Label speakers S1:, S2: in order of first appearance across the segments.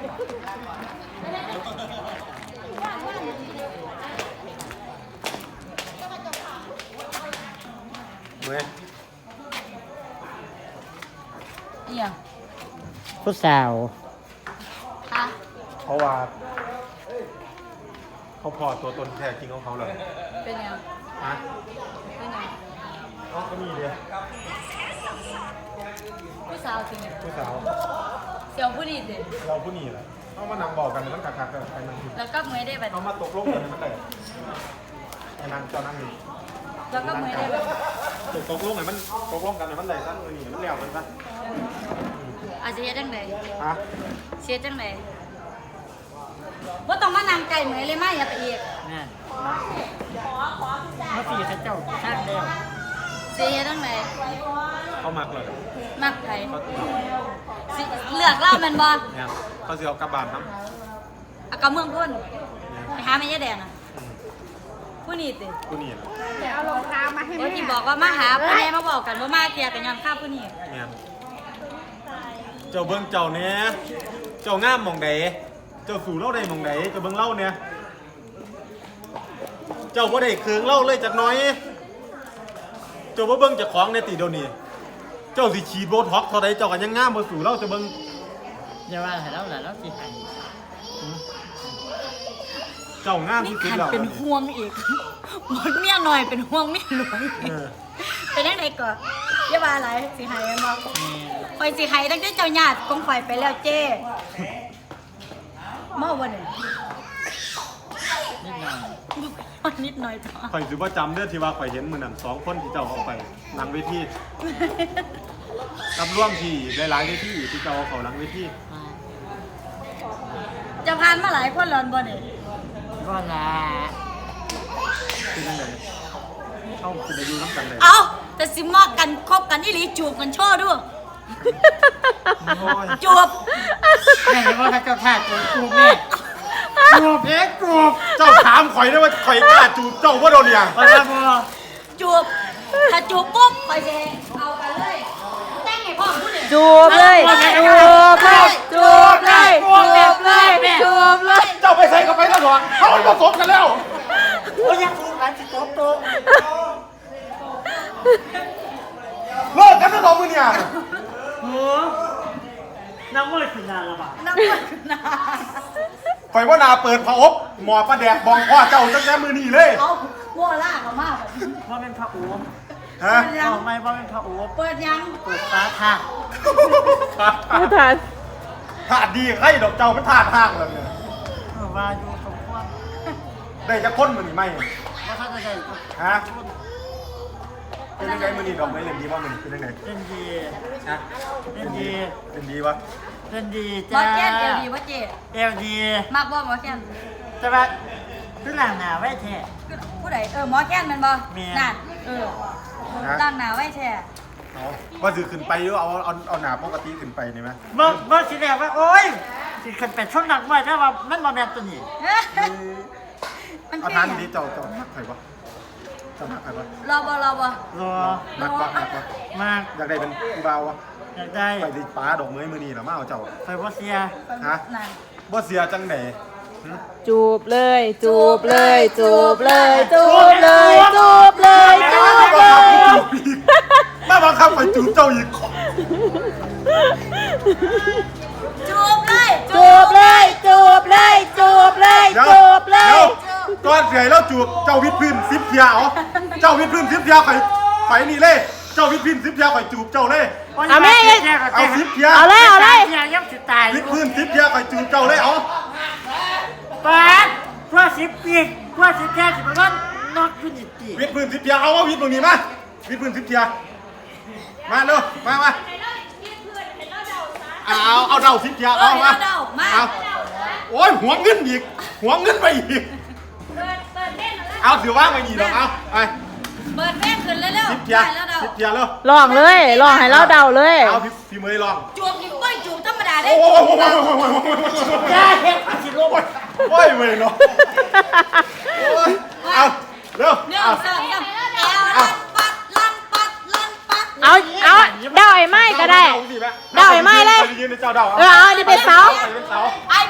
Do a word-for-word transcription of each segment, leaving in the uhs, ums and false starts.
S1: เมื่อ
S2: เอี่ย
S3: ผู้สาว
S2: ค่ะ
S1: เพราะว่าเขาพอตัวตนแท้จริงของเขาเลย
S2: เป็นยัง
S1: ฮะ
S2: เป็นยัง
S1: อ๋อก็มีเลย
S2: ผู้สาวจริง
S1: ผู้สาว
S2: เสี่ยวผู้ดีเด็
S1: เราผู้นี้แหละเขามานำบอกกันมันกักกักกันไปนั่ง
S2: แล้วก็เมื่อได้แบบ
S1: เขามาตกลงกันมันได้ไอ้นางเจ้านั่งนี่
S2: แล้วก็เมื่อได้แบบ
S1: ตกลงไงมันตกลงกันไงมันได้ซะเออนี่มันเลี้ยวมันซะ
S2: อาจจะเฮ็ดจังได
S1: ฮะ
S2: เสียจังไดว่าต้องมานำไก่เหมยเลยไหมอย่าไปอีก
S3: นั่นเมื่อปีเขาเจ้าชาติแล้ว
S2: เสียจังได
S1: เขามักเลย
S2: มักไผเลือกเล่ามันบ่
S1: เนี่ยเขาสิเอากระบาดน้
S2: ำเอากระเมืองพุ่นไปหาแม่ยายแดงอ่ะผู้นี้ติ
S1: ผู้นี้
S2: แต่เอารองเท้ามาให้แม่ที่บอกว่ามาหาพ่อแม่มาบอกกันว่ามาเกียร์กันย้อนข้าผู้นี้
S1: เนี่ยเจ้าเบิ้งเจ้าเนี้ยเจ้างามมองใดเจ้าสู่เล่าได้มองใดเจ้าเบิ้งเล่าเนี่ยเจ้าบ่ได้เคืองเล่าเลยจากน้อยเจ้าบ่เบิ้งจากของในตีเดียวนี้เจ้าสิฉีดโบท็อกเท่าใดเจ้ากันยังงามบ่สู่เล่าจะเบิ้ง
S3: อย่าว่าให้เราแหละเราสิให้
S1: เจ้างามที่สุดแล้ว
S2: เป็นห่วงอีกหมดเมียหน่อยเป็นห่วงเมียหลวงเป็นยังไงก่อนอย่าว่าอะไรสิให้บ่คอยสิให้ตั้งแต่เจ้าญาติกองไฟไปแล้วเจ้เมื่อวันไหน
S3: นิดหน่อย
S2: นิดหน่อยจ้ะ
S1: ข่อยสิบ่จำเด้อที่ว่าข่อยเห็นมื้อนั้นสองคนที่เจ้าเอาไปหลังเวทีกับร่วมที่หลายๆเวทีที่เจ้าเอาเข้าหลังเวที
S2: จะผ่านมาหลายคนแล้วบ่นี่
S3: ก็ละ
S1: เป็นจังได๋เฮาสิได้อยู่นำกันได้
S2: เอ้าแต่สิมอกกันคบกันอีหลีจูบกันโชว์ด้วยจูบ
S3: แม่ว่าเขาเจ้าท่าจูบจูบแม่จูบเอ๊ะจูบ
S1: เจ้าถามข่อยได้ว่าข่อยกล้าจูบเจ้าบ่โดนอย่าง
S3: พอแล้วพอ
S2: จูบถ้าจูบปุ๊บข่อยสิเอากันเลยแต่งให้พ่อพูดดิ
S4: จูบเลยจูบเลยจูบเลยจูบเลยจูบเลย
S1: เจ้าไปใส่กับไปแล้วหรอเขาผสมกันแล้ว
S3: โอ้ยยังจูบกันสิโตโต
S1: เลิกกันแล้วน้องมึงเนี่ย
S3: โอ้น้ำมันขึ้นนาละบ่
S2: น้ำมันขึ้นนา
S1: ไฟว่านาเปิดผาอบหมอปลาแดกบองพ่อเจ้าตั้งแต่มือนี่เลย
S2: เอาวัวล่าเขามาก
S3: ว่าเป็นพระโอ
S1: ฮะ
S3: ไม่ว่าเป็นพระโอ
S2: เปิดยัง
S3: เปิดฟ้าท่า
S4: ไม่ทัน
S1: ถาดดีใครดอกเจ้าเป็นถาดห้างเลยเนี่ย
S3: ว่าอยู่สมควร
S1: ได้จะค้นมือนี่ไหม
S3: ว่าถ้าจะได้
S1: ฮะเป็นยังไงมือนี่ดอกไม้เล่นดีว่ามือนี่เป็นยังไง
S3: เป็นดี
S1: ฮะ
S3: เป็นดี
S1: เป็นดีวะ
S3: เป็นดี
S2: จ้า
S3: หมอ
S2: แก้นเอลดีวะเจ๊
S3: เอลดี
S2: มากบ่หมอแก้น
S3: แต่ว่าคือหลังหนาไว้แท้
S2: ผู้ใดเออหมอแก้นมันบ่นั่นเออหลังหนาไว้แท้
S1: ว่าถือขึ้นไปหรือเอาเอาเอาหนาปกติขึ้นไปนี่ไหม
S3: เมื่อเมื่อสิแรกว่าโอ๊ยสิขึ้นไปช่วงหนักไว้ถ้าว่ามันมาแบบตัวนี้
S1: เอาทานนี้เจ้าเจ้ามักใครวะเจ้ามักใครวะ
S2: รอบ่รอบ่
S3: รอ
S1: มักวะมักวะ
S3: มาก
S1: อยากได้เป็นกูบ่าววะ
S3: อยากได้
S1: ไปดิป้าดอกเมยมือนี่หรอมาเอาเจ้า
S3: ไปบ่เสีย
S1: ฮะบ่เสียจังไหน
S4: จูบเลยจูบเลยจูบเลยจูบเลยจูบเลยจูบเลย
S1: มาบังคับไปจูบเจ้าอีก
S2: จูบเลย
S4: จูบเลยจูบเลยจูบเลยจูบเลย
S1: ก้อนเสียแล้วจูบเจ้าวิทพื้นซิปเทียเอาเจ้าวิทพื้นซิปเทียไฟไฟนี่เลยเจ้าวิทพื้นซิปเทียไฟจูบเจ้าเลย
S4: เอาแม่
S1: เอาซิปเทีย
S4: เอาเลยเอาเลย
S3: ยังสิตาย
S1: วิทพื้นซิปเทียไฟจูบเจ้าเลยเอา
S3: ปาดกว่าสิบปีกว่าสิบแค่สิบวันนอกขึ้นอีกที
S1: วิทพื้นซิปเทียเอาว่าวิทตรงนี้มาวิทพื้นซิปเทียมาเร็วมามาเอาเอาเดาซิปเทียเอามาเอาโอ้ยหัวเงินอีกหัวเงินไปอีกเอาถือว่าไม่ดีหรอกเอาไป
S2: เปิดแม่ขึ้นเร็วๆ
S1: ซิปเทียซิปเทียเร็ว
S4: ลองเลยลองให้เราเดาเลย
S1: เอาพี่เมย์ลอง
S2: จูบอีกไม่จูบธรรมดาได้
S1: โอ้โห
S3: แย่เห็นสิลูก
S1: โอ้ยเว้ยเนาะเอาเร็ว
S2: เร็วสองสามแอลลันปัดลันปัดลันปัด
S4: เอาเอาเดาไอ้ไม้ก็ได้เดาไอ้ไม้เลย
S1: ยืนในเจ้าเดา
S4: เออเอาดิเป็นเสา
S2: ไอ้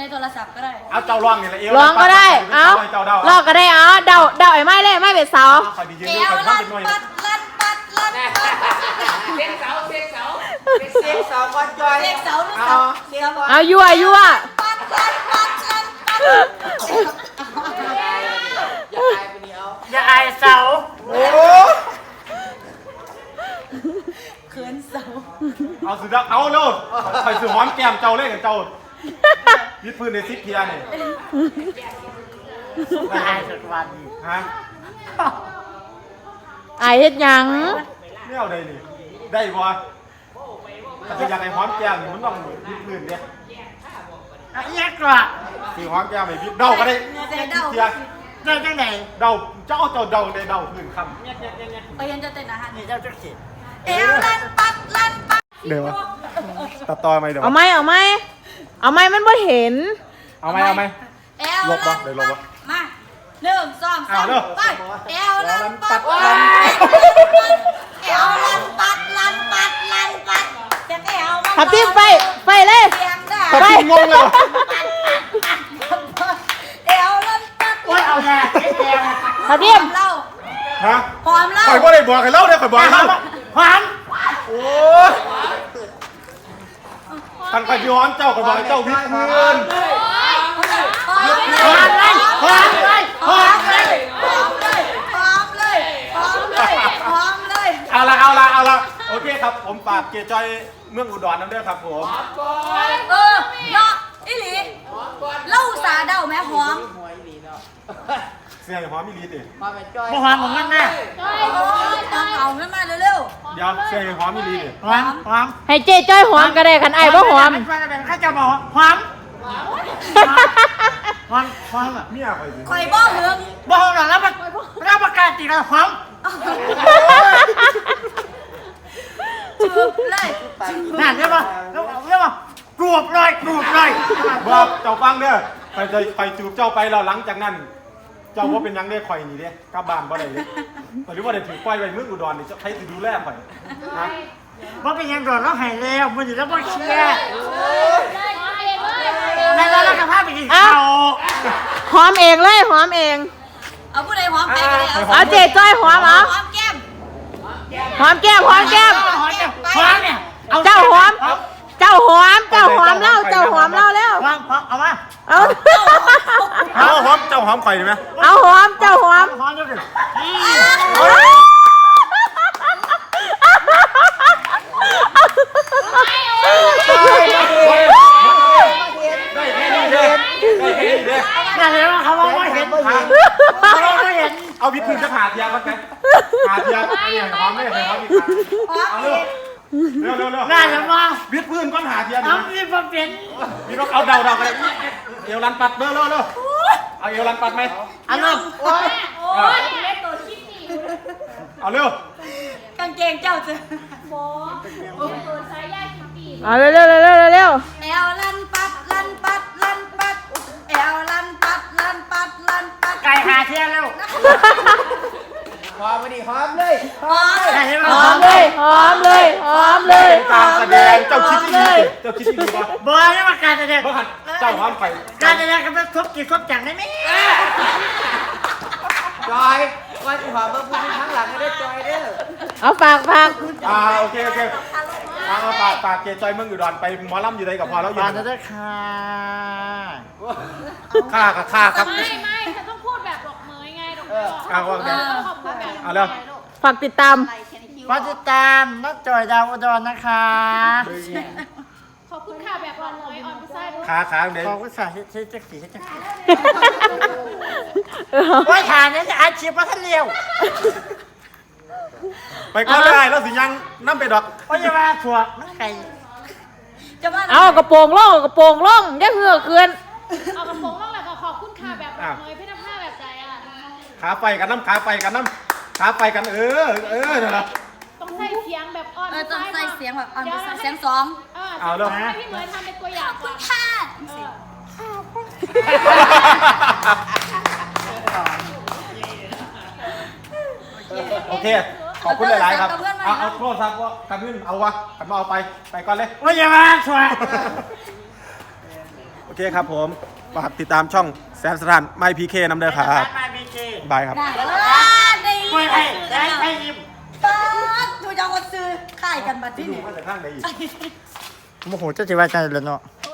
S2: โทรศัพท์ก็ได้
S1: เอาเจ้าร้องนี่แหละเอว
S4: ร้องก็ได้
S1: เอา
S4: เอา
S1: เจ้าเดา
S4: ลอกก็ได้เอาเดาเดาไอ้ไม้เลยไม่เป็นเสา
S1: คอยดียืน
S2: เอ
S1: ดู
S2: ว
S1: คอย
S2: ลั่
S1: ทำ
S2: น
S1: เป็นหน่อย
S2: ปัดลั่นปัดลั่นปัด
S3: เซ็กเสาเซ็กเสาเซ็กเสาก่อนจอย
S2: เด็กเสาหรือเสาเสา
S4: เอายั่วยั่ว
S2: ปัดลั่นปัดลั่นปัด
S3: อย่าอายเสา
S1: โอ้
S2: เขินเสา
S1: เอาสุดแล้วเอาเลยคอยสือหอมแก้มเจ้าเล่นกับเจ้าวิดพื้นในซิปเทียนี่
S3: อย่าอายสุดวัน
S1: ฮะ
S4: ไอายเฮ็ดหยัง
S1: ไม่เอาได้นี่ได้บ่ถ้าจะอยากให้หอมแก้มนี่มันต้องวิดพื้นเนี่ย
S3: อ่ะเอียกว่า
S1: สือหอมแก้มไม่วิดเดาก็ได้
S2: ใจเดา
S1: เทีย
S3: ได้จังไหน
S1: เดาเจ้าเจ้าเดาได้เดาพื้นคำ
S2: ไปยันจะเต้นอาหาร
S3: นี่เจ้าจักสิ
S2: เอวลั่นปัดลั่นปัด
S1: เดี๋ยวตัดต่อไหมเดี๋ยว
S4: เอาไหมเอาไหมเอาไหมมันบ่เห็น
S1: เอาไหมเอาไหม
S2: เอว
S1: ลบวะ
S2: ลั่น
S1: เดี๋ยวล
S2: ปั
S1: บ
S2: ด
S1: วะ
S2: มาหนึ่งสองสาม
S1: เอาเร็ว
S2: ไปเอวลั่นปัด
S1: เอว
S2: ลั่
S1: ลั่
S2: น
S1: นปั
S2: ปัด
S1: ด
S2: เอวลั่นปัดลั่นปัดลั่นปัดเสียงเอวมัน
S4: ทับทิมไปไปเลย
S2: เสียงได้
S1: ตัดทิ้งงงเลย
S2: เอวลั่นปัด
S3: โอ้ยเอาแน่ไอ้แดง
S4: ทับทิม
S2: เล่า
S1: ฮะ
S2: พร้อมเล่า
S1: ข่อยบ่ได้บอกให้เล่าเนี่ยข่อยบอกให้เล่า
S3: หวาน
S1: โอ้ยท่านข่อยพี่หอมเจ้าข่อยบอกให้เจ้าวิดพื้น
S2: พร้อมเลย
S3: หวานเลยหวานเลย
S2: พร้อมเลยพร้อมเลยพร้อมเลยพร้อมเลย
S1: เอาละเอาละเอาละโอเคครับผมฝากเกจอยเมืองอุดรน้ำเด้อครับผม
S2: เออเนาะอีหลีเล่าสาเดาแม่หอม
S1: เสียงหอมมีลีติ
S3: บ่หวานของมันแน่
S2: ต้องเอาขึ้นมาเร็ว
S1: เดี๋ยวเสียงหอมมีลีติ
S3: หวานหวาน
S4: ให้เจ๊จ้อยหอมก็ได้คันไอ้ายบ่หอม
S3: ข้าจะบอกหวานหวานหวานอ่ะ
S1: เมียข่อยสิ
S2: ๆคอยบ่เหือง
S3: บ่หอมหรอกแล้วมันแล้วประกาศติดแล้วหวาน
S2: จูบเลย
S3: นั่นใช่ป่ะแล้วแล้วป่ะกรูบเลยกรูบเลย
S1: บอกเจ้าฟังเด้อข่อยจะข่อยจูบเจ้าไปแล้วหลังจากนั้น เจ้าว่าเป็นหยังได้ข่อยนี่เด้กลับบ้านบ่ได้เลยข่อยรู้ว่าได้ถือปล่อยไว้เมืองอุดรนี่ใครสิดูแลข่อยนะ
S3: ว่าเป็นยังโดนแล้วหายแล้วมันอยู่แล้วบ่เชียร์แล้วแล้วกระเพาะไปกินข้าว
S4: หอมเองเลยหอมเอง
S2: เอาผู้ใดหอมไปก็ได้
S4: เอาเจ๊จ้อยหอมเอา
S2: หอมแก้ม
S4: หอมแก้มหอมแก้ม
S3: หอมเนี่ยหอมเนี่ย
S4: เจ้าหอม เจ้าหอม เจ้าหอมเล่าเจ้าหอมเล่าแล้ว
S3: หอมหอมเอามา
S4: เอา
S1: เอาหอมเจ้าหอมข่อยได้ไหม
S4: เอาหอมเจ้าหอม
S3: หอมเดี๋ยวดิ
S1: ได้แค่นี้เด้ได้แค่นี้เด้
S3: นั่นเลยว่าเขาว่าไม่เห็นเขาว่าไม่เห็น
S1: เอาวิดพื้นจะหาเทียกันไงหาเทียไอ้เนี่ยหอมไม่ใช่หอมอีกครั้งเอาเร็วเร็วเร็วเร็ว
S3: น่าจะมา
S1: วิดพื้นก้อนหาเทีย
S3: เอาที่มาเป็น
S1: มีรถเอาเดาเดากันเลยเอวลันปัดเร็วเร็วเร็วเอาเอวลันปัดไหม
S3: อันนั้น
S2: โอ้ยโอ้ยเล่นตัวชิปปี้
S1: เอาเร็ว
S2: กางเกงเจ้าจะ
S4: เอาเร็วเร็วเร็วเร็วเร็ว
S2: แอวลันปัดลันปัดลันปัดแอวลันปัดลันปัดลันปัด
S3: ไก่หาเที่ยวเร็ว
S2: หอม
S3: ได้ใช่ไหม
S4: หอมเลยหอมเลยหอมเลย
S1: การแสดงเจ้าคิดที่ดีเจ้าคิดที่ดีป่ะ
S3: บอยนี่มาการแสดง
S1: เมื่อหันเจ้าหอมไข่
S3: การแสดงกันเป็นครบกี่ครบจังได้ไหม
S5: จอยว่าจะขอเบอร์ผู้ที่ข้างหลังให้ได้จอยเด้อ
S4: เอาฝากฝาก
S1: อ่าโอเคโอเคเอาฝากฝากเกจอยเมืองอุดรไปหมอลำอยู่ใดกับพอแล้วอยู่
S3: บานด้วยค่ะ
S1: ค่ากับค่าครับ
S6: ไม่ไม่ฉันต้องพูดแบบดอกเมยไงดอกเมย
S1: เอาว่าไง
S6: ขอบคุณแบบ
S1: เอาเร็ว
S4: ฝากติดตาม
S3: มาติดตามน้องจอยดาวอุดรนะคะ
S6: ขอบคุณค่ะแบบออนเมยออนพิซซ่าด้วย
S1: ขาขาเด็ก
S3: ขอบคุณค่ะที่ที่จะสีที่จะสีว่าฐานนี้จะอาชีพว่าท่านเลี้ยว
S1: ไปก็ได้แล้วสิยังน้ำไปดอก
S3: ว่าจะมาถั่วมันไก่
S2: จะว่า
S4: เอากระโปรงล่องกระโปรงล่องอย่าเหือกเกิน
S6: เอากระโปรงล่องแล้วก็ขอบคุณค่ะแบบดอกเมยพี่น้ำผ้าแบบใจอ่ะ
S1: ขาไปกันน้ำขาไปกันน้ำขาไปกันเออเออนั่นแหละ
S6: ต้องใส่เสียงแบบออน
S2: เออต้องใส่เสียงแบบอ่อน
S6: ดี๋ยว
S2: เสียงสอง
S1: เอาเร็ว
S6: ให้พี่เมยทำเป็นตัวอย่างก่อน
S2: ค่ะ
S1: โอเค ขอบคุณหลายๆครับ เอาเอาโทษครับว่ากันขึ้นเอาวะกันมาเอาไป ไปก่อนเลย
S3: ว่าจะมาถั่ว
S1: เคครับผมฝากติดตามช่องแสนสถานไมพีเคนำเด้อครับ
S3: มาบีเค
S1: บายครับ
S2: ได้เออได้
S3: คุยให้ได้ให้ยิ้ม
S2: ป๊าดดูจะเอาซื้อขายกันบัดที่นี่
S1: มาจากข้างใดอีก
S3: โมโหเจ้าจิว่าใจเลยเนาะ